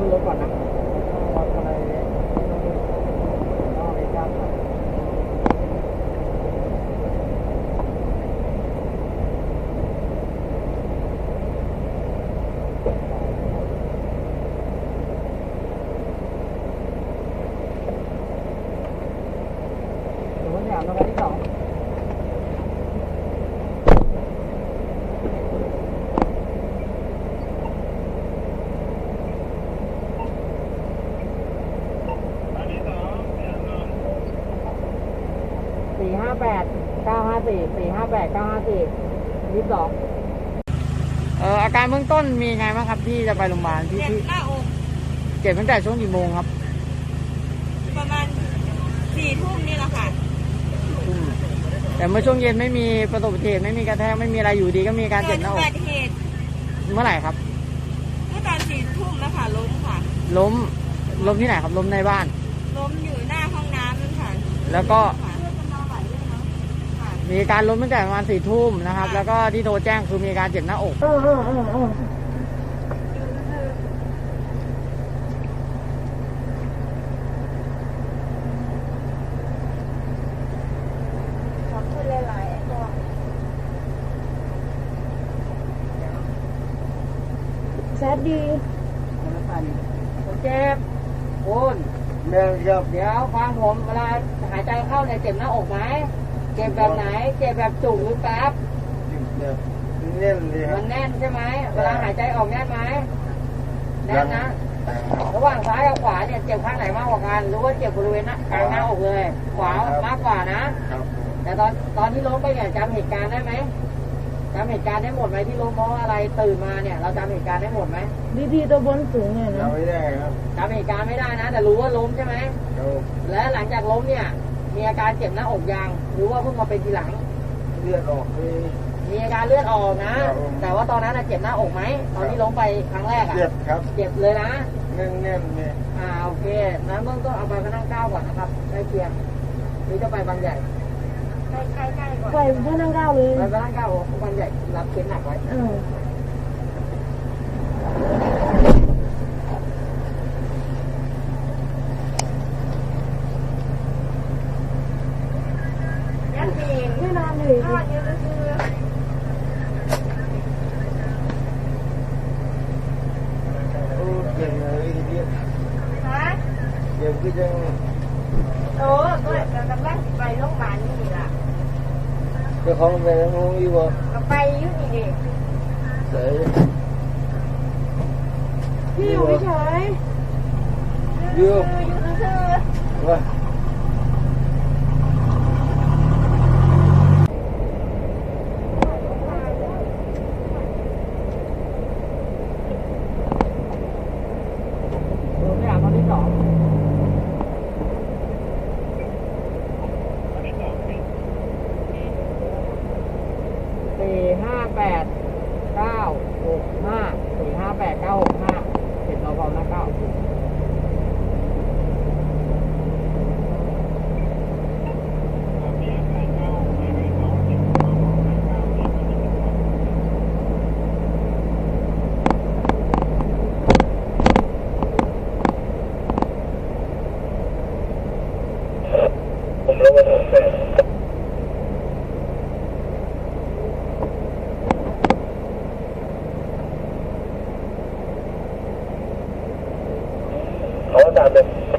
รถก่อนนะวัดอะไรถึงวันที่3แล้ววันที่2 458 954 458 954 22อาการเบื้องต้นมีไงบ้างครับที่จะไปโรงพยาบาลที่เจ็บหน้าอกเจ็บตั้งแต่ช่วงกี่โมงครับประมาณ4 ทุ่มนี่แหละค่ะแต่เมื่อช่วงเย็นไม่มีประสบอุบัติเหตุไม่มีกระแทกไม่มีอะไรอยู่ดีก็มีอาการเกิเจ็ดบหน้าอุอกบัติเหตุเมื่อไหร่ครับเมื่อตอน4 ทุ่มแล้วค่ะล้มค่ะล้มที่ไหนครับล้มในบ้านล้มอยู่หน้าห้องน้ำนั่นค่ะแล้วก็ค่ะค่ะมีการล้มตั้งแต่ประมาณ4 ทุ่มนะครับ แล้วก็ที่โทรแจ้งคือมีการเจ็บหน้าอกขอบคุณหลายๆตัวแซดดีเจ็บคุณเดี๋ยวฟังผมเวลาหายใจเข้าเนี่ยเจ็บหน้าอกไหมเจ็บแบบไหนเจ็บแบบจุกหรือแป๊บแน่นเลยครัมับนแน่นใช่ไหมเวลาหายใจออกแน่นไหมแน่นนะ ระหว่างซ้ายกับขวาเนี่ยเจ็บข้างไหนมากกว่ากันหรือว่าเจ็บบริเวณกลางหน้าอกเลย ขวามากกว่านะครับแต่ตอนที่ล้มไปเนี่ยจำเหตุการณ์ได้ไหมจำเหตุการณ์ได้หมดไหมที่ล้มเพราะอะไรตื่นมาเนี่ยเราจำเหตุการณ์ได้หมดไหมดีๆตัวบนสูงเนี่ยนะเราไม่ได้ครับจำเหตุการณ์ไม่ได้นะ แต่รู้ว่าล้มใช่ไหมเราและหลังจากล้มเนี่ยมีอาการเจ็บหน้าอกยังหรือว่าเพิ่งมาเป็นทีหลังเลือดออกเลยมีอาการเลือดออกนะครับผมแต่ว่าตอนนั้นเจ็บหน้าอกไหมตอนที่ล้มไปครั้งแรกเจ็บครับเจ็บเลยนะแน่นเนี่ยโอเคนั้นเบื้องต้นเอาไปพระนั่งเก้าก่อนนะครับใกล้เคียงหรือจะไปบางใหญ่ใกล้ๆก่อนไปพระนั่งเก้าเลยไปพระนั่งเก้าบางใหญ่รับเคสหนักไว้ยัดปีนไม่นานเลยนอนอยู่ซื่อโอ้เจ็บเลยทีเดียวๆฮะเจ็บก็ยังโอ้ก็กำลังไปโรงพยาบาลนี่ล่ะเจ้าของไปแล้วงงอยู่บ่ก็ไปอยู่นี่ดิเสยพี่อยู่เฉยอยู่อยู่ซื่อว่าดูไม่อยากตอนที่สอง458 965 เห็นเราเบาหน้าเก้าเขาตามเลย